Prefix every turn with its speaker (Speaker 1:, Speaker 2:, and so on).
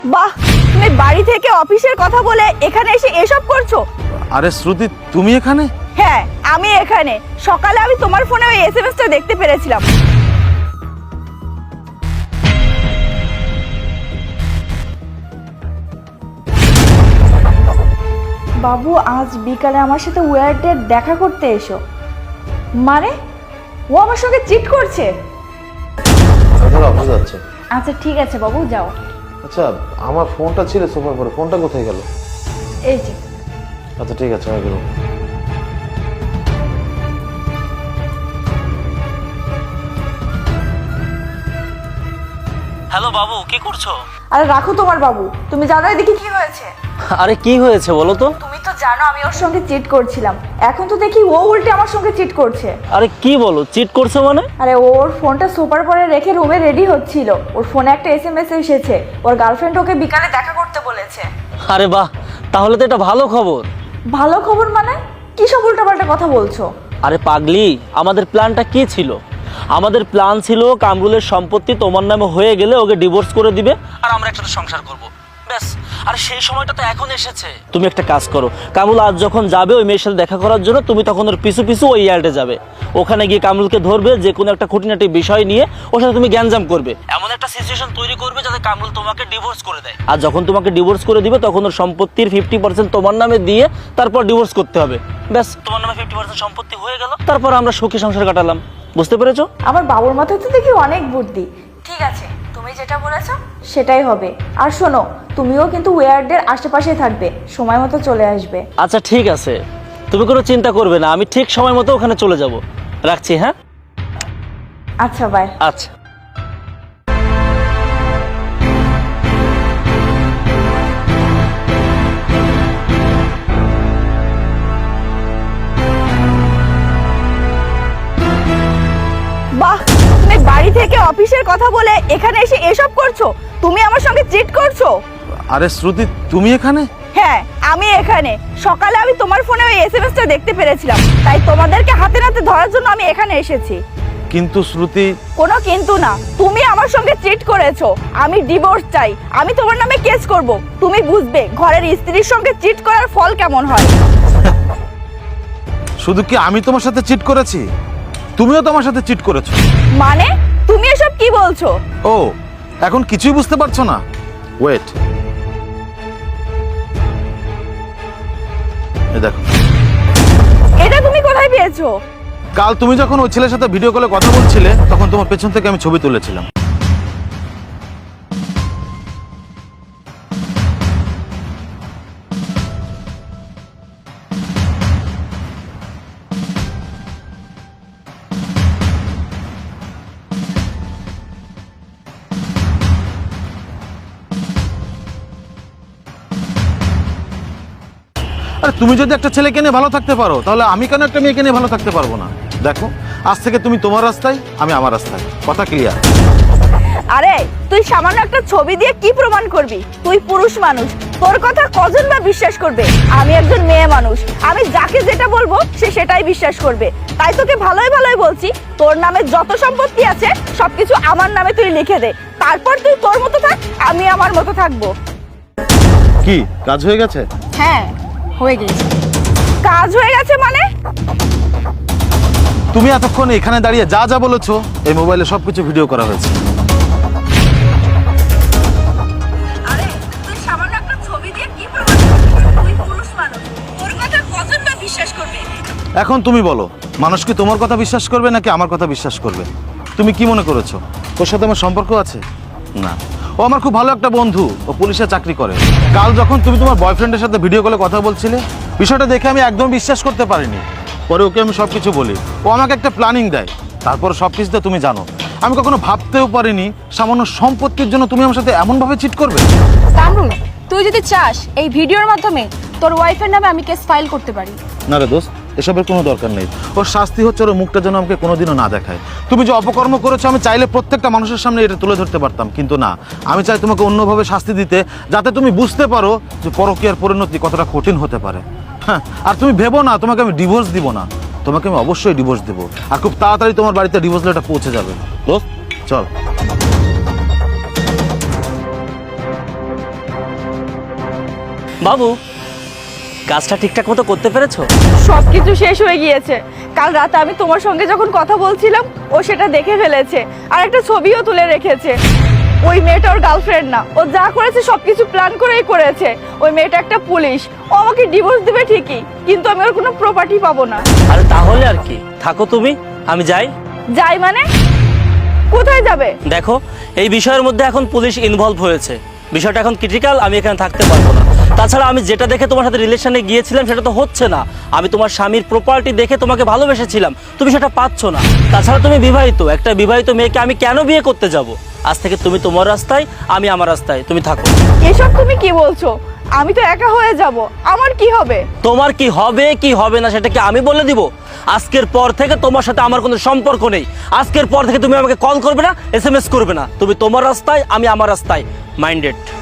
Speaker 1: বাহ, তুমি বাড়ি থেকে অফিসের কথা বলে এখানে এসে এসব করছো?
Speaker 2: আরে শ্রুতি, তুমি এখানে?
Speaker 1: হ্যাঁ, আমি এখানে। সকালে আমি তোমার ফোনে ওই এসএমএসটা দেখতে পেরেছিলাম। বাবু আজ বিকালে আমার সাথে ওয়ার্ডের দেখা করতে এসো। মানে ও আমার সঙ্গে চিট করছে?
Speaker 2: অফিস যাচ্ছে।
Speaker 1: আচ্ছা ঠিক আছে বাবু, যাও।
Speaker 2: আচ্ছা, আমার ফোনটা ছিল সোফার পরে, ফোনটা কোথায় গেল?
Speaker 1: এই যে।
Speaker 2: আচ্ছা ঠিক আছে, আমি গেলাম।
Speaker 3: হ্যালো বাবু, কি করছো?
Speaker 1: আরে রাখো তোমার বাবু, তুমি জানো এদিকে কি হয়েছে?
Speaker 3: আরে কি হয়েছে বলো তো?
Speaker 1: তুমি তো জানো আমি ওর সঙ্গে চিট করছিলাম, এখন তো দেখি ও উল্টে আমার সঙ্গে চিট করছে।
Speaker 3: আরে কি বলো, চিট করছে মানে?
Speaker 1: আরে ওর ফোনটা সোফার পরে রেখে রুমে রেডি হচ্ছিল, ওর ফোনে একটা এসএমএস এসেছে, ওর গার্লফ্রেন্ড ওকে বিকালে দেখা করতে বলেছে।
Speaker 3: আরে বাহ, তাহলে তো এটা ভালো খবর।
Speaker 1: ভালো খবর মানে? কি সব উল্টাপাল্টা কথা বলছো?
Speaker 3: আরে পাগলি, আমাদের প্ল্যানটা কি ছিল? আমাদের প্ল্যান ছিল কামরুলের সম্পত্তি তোমার নামে হয়ে গেলে ওকে ডিভোর্স করে দিবে আর আমরা একসাথে সংসার করব, ব্যাস। আর সেই সময়টা তো এখন এসেছে। তুমি একটা কাজ করো, কামরুল আজ যখন যাবে ওই মেয়ের সাথে দেখা করার জন্য, তুমি তখন ওর পিছু পিছু ওই ইয়ার্ডে যাবে। ওখানে গিয়ে কামরুলকে ধরবে, যে কোনো একটা খুঁটিনাটি বিষয় নিয়ে ওর সাথে তুমি গ্যাঞ্জাম করবে, এমন একটা সিচুয়েশন তৈরি করবে যাতে কামরুল তোমাকে ডিভোর্স করে দেয়। আর যখন তোমাকে ডিভোর্স করে দিবে তখন ওর সম্পত্তির 50% তোমার নামে দিয়ে তারপর ডিভোর্স করতে হবে, ব্যাস। তোমার নামে 50% সম্পত্তি হয়ে গেল, তারপর আমরা সুখী সংসার কাটালাম। বুঝতে পেরেছো?
Speaker 1: আমার বাবুর মাথায় তো দেখি অনেক বুদ্ধি। ঠিক আছে, তুমি যেটা বলেছো সেটাই হবে। আর শোনো, তুমিও কিন্তু ওয়ার্ডের আশেপাশে থাকবে, সময় মতো চলে আসবে।
Speaker 3: আচ্ছা ঠিক আছে, তুমি কোনো চিন্তা করবে না, আমি ঠিক সময় মতো ওখানে চলে যাব। রাখছি, হ্যাঁ?
Speaker 1: আচ্ছা বাই।
Speaker 3: আচ্ছা।
Speaker 1: বাহ, তুমি বাড়ি থেকে অফিসের কথা বলে এখানে এসে এসব করছো? তুমি আমার সঙ্গে চিট করছো?
Speaker 2: আরে শ্রুতি, তুমি এখানে?
Speaker 1: হ্যাঁ, আমি এখানে। সকালে আমি তোমার ফোনে ওই এসএমএসটা দেখতে পেরেছিলাম, তাই তোমাদেরকে হাতে নাতে ধরার জন্য আমি এখানে এসেছি।
Speaker 2: কিন্তু শ্রুতি।
Speaker 1: কোনো কিন্তু না, তুমি আমার সঙ্গে চিট করেছো, আমি ডিভোর্স চাই, আমি তোমার নামে কেস করব। তুমি বুঝবে ঘরের স্ত্রীর সঙ্গে চিট করার ফল কেমন হয়।
Speaker 2: শুধু কি আমি তোমার সাথে চিট করেছি, তুমিও তো আমার সাথে চিট করেছো।
Speaker 1: মানে তুমি এসব কি বলছো?
Speaker 2: ও, এখন কিছুই বুঝতে পারছো না? ওয়েট, এই দেখো।
Speaker 1: এটা তুমি কোথায় পেয়েছো?
Speaker 2: কাল তুমি যখন ওই ছেলের সাথে ভিডিও কলে কথা বলছিলে তখন তোমার পেছন থেকে আমি ছবি তুলেছিলাম। আরে তুমি যদি একটা ছেলেকে নিয়ে ভালো থাকতে পারো, তাহলে আমি কেন একটা মেয়েকে নিয়ে ভালো থাকতে পারবো না? দেখো, আজ থেকে তুমি তোমার রাস্তায়, আমি আমার রাস্তায়, কথা ক্লিয়ার?
Speaker 1: আরে তুই সামান্য একটা ছবি দিয়ে কি প্রমাণ করবি? তুই পুরুষ মানুষ, তোর কথা কজন বা বিশ্বাস করবে? আমি একজন মেয়ে মানুষ, আমি যাকে যেটা বলবো সে সেটাই বিশ্বাস করবে। তাই তোকে ভালোই ভালোই বলছি, তোর নামে যত সম্পত্তি আছে সবকিছু আমার নামে তুই লিখে দে, তারপর তুই তোর মতো থাক, আমি আমার মতো থাকবো।
Speaker 2: কি কাজ হয়ে গেছে?
Speaker 1: হ্যাঁ, হয়ে গেছে। কাজ হয়ে গেছে মানে?
Speaker 2: তুমি এতক্ষণ এখানে দাঁড়িয়ে যা যা বলেছো এই মোবাইলে সবকিছু ভিডিও করা হয়েছে।
Speaker 1: আরে তুই সামান্য একটা ছবি দিয়ে কি প্রমাণ করবি? তুই পুরুষ মানুষ, তোর কথা কজন বা বিশ্বাস করবে?
Speaker 2: এখন তুমি বলো, মানুষ কি তোমার কথা বিশ্বাস করবে নাকি আমার কথা বিশ্বাস করবে? তুমি কি মনে করেছো ওর সাথে আমার সম্পর্ক আছে? না, ও আমার খুব ভালো একটা বন্ধু, ও পুলিশে চাকরি করে। কাল যখন তুমি তোমার বয়ফ্রেন্ডের সাথে ভিডিও কলে কথা বলছিলে, বিষয়টা দেখে আমি একদম বিশ্বাস করতে পারিনি। পরে ওকে আমি সবকিছু বলি, ও আমাকে একটা প্ল্যানিং দেয়, তারপর সবকিছুতে তুমি জানো। আমি কখনো ভাবতেও পারিনি সামান্য সম্পত্তির জন্য তুমি আমার সাথে এমনভাবে চিট করবে।
Speaker 4: কামরুল, তুই যদি চাস এই ভিডিওর মাধ্যমে তোর ওয়াইফের নামে আমি কেস ফাইল করতে পারি।
Speaker 2: না রে দোস্ত, এসবের কোনো দরকার নেই। ওর শাস্তি হচ্ছে ওর মুখটা যেন আমাকে কোনোদিনও না দেখায়। তুমি যে অপকর্ম করেছো আমি চাইলে প্রত্যেকটা মানুষের সামনে এটা তুলে ধরতে পারতাম, কিন্তু না, আমি চাই তোমাকে অন্যভাবে শাস্তি দিতে, যাতে তুমি বুঝতে পারো যে পরকীয়ার পরিণতি কতটা কঠিন হতে পারে। হ্যাঁ, আর তুমি ভেবো না তোমাকে আমি ডিভোর্স দিব না, তোমাকে আমি অবশ্যই ডিভোর্স দেবো, আর খুব তাড়াতাড়ি তোমার বাড়িতে ডিভোর্স লেটার পৌঁছে যাবে। দোস্ত চল।
Speaker 3: বাবু, কাজটা ঠিকঠাক মতো করতে পেরেছো?
Speaker 1: সবকিছু শেষ হয়ে গিয়েছে। কাল রাতে আমি তোমার সঙ্গে যখন কথা বলছিলাম ও সেটা দেখে ফেলেছে, আর একটা ছবিও তুলে রেখেছে। ওই মেয়েটা ওর গার্লফ্রেন্ড না, ও যা করেছে সবকিছু প্ল্যান করেই করেছে। ওই মেয়েটা একটা পুলিশ, ও আমাকে ডিভোর্স দিবে ঠিকই, কিন্তু আমি ওর কোনো প্রপার্টি পাবো না।
Speaker 3: আরে তাহলে আর কি, থাকো তুমি, আমি যাই।
Speaker 1: যাই মানে? কোথায় যাবে?
Speaker 3: দেখো, এই বিষয়ের মধ্যে এখন পুলিশ ইনভলভ হয়েছে, বিষয়টা এখন ক্রিটিক্যাল, আমি এখানে থাকতে পারবো না। তাছাড়া আমি যেটা দেখে তোমার সাথে রিলেশনে গিয়েছিলাম সেটা তো হচ্ছে না। আমি তোমার স্বামীর প্রপার্টি দেখে তোমাকে ভালোবেসেছিলাম, তুমি সেটা পাচ্ছ না। তাছাড়া তুমি বিবাহিত, একটা বিবাহিত মেয়েকে আমি কেন বিয়ে করতে যাব? আজ থেকে তুমি তোমার রাস্তায়, আমি আমার রাস্তায়, তুমি থাকো।
Speaker 1: এসব তুমি কি বলছো? আমি তো একা হয়ে যাব, আমার কি হবে?
Speaker 3: তোমার কি হবে কি হবে না সেটা কি আমি বলে দিব? আজকের পর থেকে তোমার সাথে আমার কোনো সম্পর্ক নেই। আজকের পর থেকে তুমি আমাকে কল করবে না, SMS করবে না। তুমি তোমার রাস্তায়, আমি আমার রাস্তায়। মাইন্ডেড।